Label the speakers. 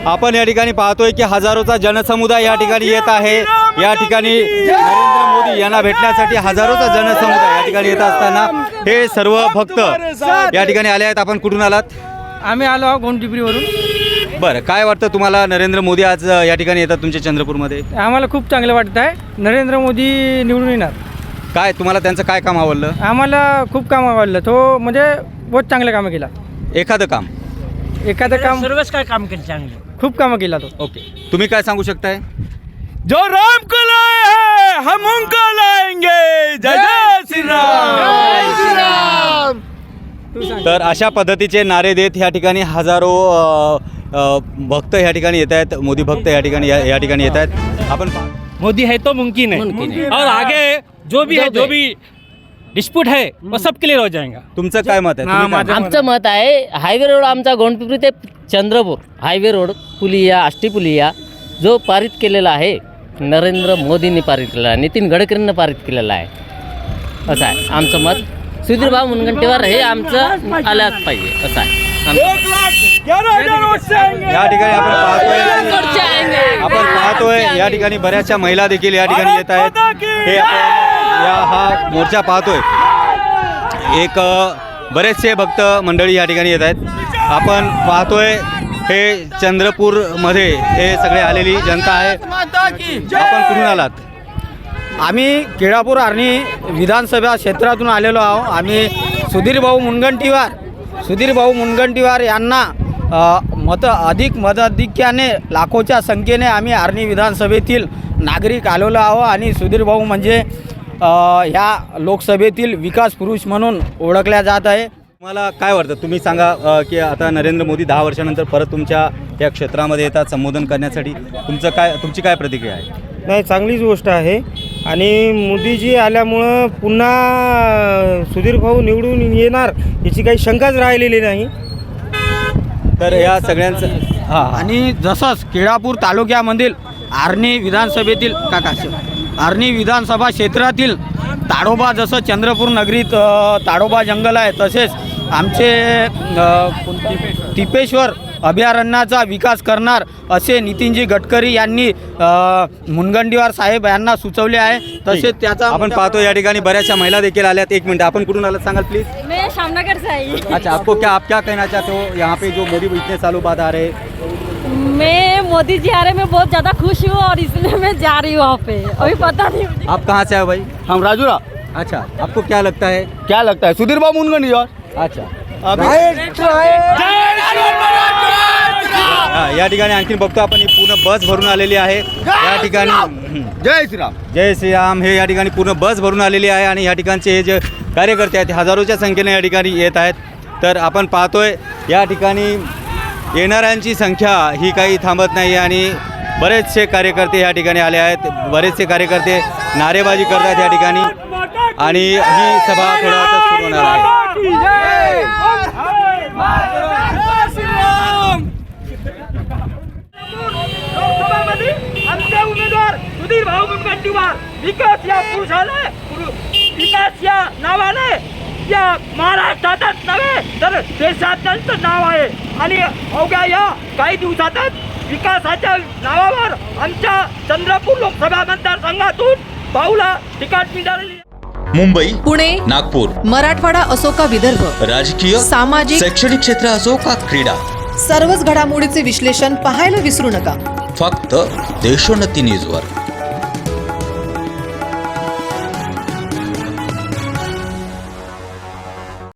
Speaker 1: आपण या ठिकाणी पाहतोय की हजारोचा जनसमुदाय या ठिकाणी येत आहे। या ठिकाणी नरेंद्र मोदी यांना भेटण्यासाठी हजारोचा जनसमुदाय या ठिकाणी येत असताना हे सर्व भक्त या ठिकाणी आले आहेत। आपण कुठून आलात?
Speaker 2: आम्ही आलो आहोत गोंडपिंपरीवरून।
Speaker 1: बरं, काय वाटतं तुम्हाला नरेंद्र मोदी आज या ठिकाणी येतात तुमच्या चंद्रपूरमध्ये?
Speaker 2: आम्हाला खूप चांगलं वाटत आहे, नरेंद्र मोदी निवडून येणार।
Speaker 1: काय तुम्हाला त्यांचं काय काम आवडलं?
Speaker 2: आम्हाला खूप काम आवडलं, तो म्हणजे बहुत चांगलं कामं केला।
Speaker 1: एखादं काम
Speaker 2: सर्वच काय काम केलं, चांगलं खूप कामं केला तो।
Speaker 1: ओके, तुम्ही काय सांगू शकताय?
Speaker 3: जो राम को लाए हैं हम उनको लाएंगे, जय जय श्री राम।
Speaker 1: तर अशा पद्धतीचे नारे देत या ठिकाणी हजारो भक्त या ठिकाणी येत आहेत, मोदी भक्त या ठिकाणी येत आहेत। आपण
Speaker 4: मोदी है तो मुमकिन है, और आगे जो भी डिस्प्यूट है वो सबके लिए हो जाएगा।
Speaker 1: तुमचं काय मत आहे? तुम्ही काय-
Speaker 5: आमचं मत आहे हायवे रोड आमचा गोंडपिंपरी ते चंद्रपूर हायवे रोड पुलिया आष्टी पुलिया जो पारित केलेला आहे नरेंद्र मोदींनी पारित केलेला आहे, नितीन गडकरींनी पारित केलेला आहे, असं आहे आमचं मत। सुधीरभाऊ मुनगंटीवार हे आमचं आल्याच पाहिजे, असं आहे आमचं।
Speaker 1: या ठिकाणी आपण पाहतोय या ठिकाणी बऱ्याचशा महिला देखील या ठिकाणी येत आहेत। हे आपण हा मोर्चा पाहतोय, एक बरेचसे भक्त मंडळी या ठिकाणी येत आहेत। आपण पाहतोय हे चंद्रपूरमध्ये हे सगळे आलेली जनता आहे। आपण कुठून आलात?
Speaker 2: आम्ही केळापूर आर्णी विधानसभा क्षेत्रातून आलेलो आहोत। आम्ही सुधीरभाऊ मुनगंटीवार यांना मताधिक्याने लाखोच्या संख्येने आम्ही आर्णी विधानसभेतील नागरिक आलेलो आहोत आणि सुधीरभाऊ म्हणजे ह्या लोकसभेतील विकास पुरुष म्हणून ओळखल्या जात आहे।
Speaker 1: तुम्हाला काय वाटतं? तुम्ही सांगा की आता नरेंद्र मोदी 10 वर्षानंतर परत तुमच्या या क्षेत्रामध्ये येतात संबोधन करण्यासाठी, तुमची काय प्रतिक्रिया आहे?
Speaker 6: नाही, चांगलीच गोष्ट आहे आणि मोदीजी आल्यामुळं पुन्हा सुधीरभाऊ निवडून येणार याची काही शंकाच राहिलेली नाही।
Speaker 1: तर या सगळ्यांचं
Speaker 2: आणि जसंच केळापूर तालुक्यामधील आर्णी विधानसभा क्षेत्रातील ताडोबा, जसं चंद्रपूर नगरीत ताडोबा जंगल आहे, तसेच आमचे टिपेश्वर अभयारण्याचा विकास करणार असे नितीनजी गडकरी यांनी मुनगंटीवार साहेब यांना सुचवले आहे। तसेच त्याचा
Speaker 1: आपण पाहतो या ठिकाणी बऱ्याचशा महिला देखील आल्यात। 1 मिनिट, आपण कुठून आलात सांगाल प्लीज?
Speaker 7: मैं शामनगर से आई।
Speaker 1: अच्छा, आप क्या कहना चाहते हो यहाँ पे जो मोदी इतने सालों बाद आ रहे?
Speaker 7: मैं मोदी जी आ रहे, मैं बहुत ज़्यादा खुश हूँ और इसलिए मैं जा रही हूँ वहाँ पे। अभी पता नहीं मुझे।
Speaker 1: आप कहाँ से आए भाई?
Speaker 6: हम राजूरा।
Speaker 1: अच्छा, आपको क्या लगता है?
Speaker 6: सुधीरभाऊ मुनगंटीवार।
Speaker 1: अच्छा, या ठिकाणी आणखी बघतो आपण, ही पूर्ण बस भरून आलेली आहे या ठिकाणी।
Speaker 6: जय श्रीराम।
Speaker 1: जय श्रीराम हे या ठिकाणी पूर्ण बस भरून आलेली आहे आणि या ठिकाणचे हे जे कार्यकर्ते आहेत हजारोच्या संख्येने या ठिकाणी येत आहेत। तर आपण पाहतोय या ठिकाणी येणाऱ्यांची संख्या ही काही थांबत नाही आणि बरेचसे कार्यकर्ते या ठिकाणी आले आहेत। बरेचसे कार्यकर्ते नारेबाजी करतात या ठिकाणी आणि ही सभा थोड्या वेळातच सुरू होणार आहे।
Speaker 3: आमचे उमेदवार सुधीरभाऊ मुनगंटीवार विकास या पुरुषाने, विकास या नावाने या महाराष्ट्रातच नव्हे तर देशात त्यांचं नाव आहे आणि अवघ्या या काही दिवसातच विकासाच्या नावावर आमच्या चंद्रपूर लोकसभा मतदारसंघातून भाऊला तिकीट मिळाली।
Speaker 8: मुंबई,
Speaker 9: पुणे,
Speaker 8: नागपूर,
Speaker 9: मराठवाडा असो का विदर्भ,
Speaker 8: राजकीय,
Speaker 9: सामाजिक,
Speaker 8: शैक्षणिक क्षेत्र असो का क्रीडा,
Speaker 9: सर्वच घडामोडीचे विश्लेषण पाहायला विसरू नका।
Speaker 8: फक्त देशोन्नती न्यूजवर।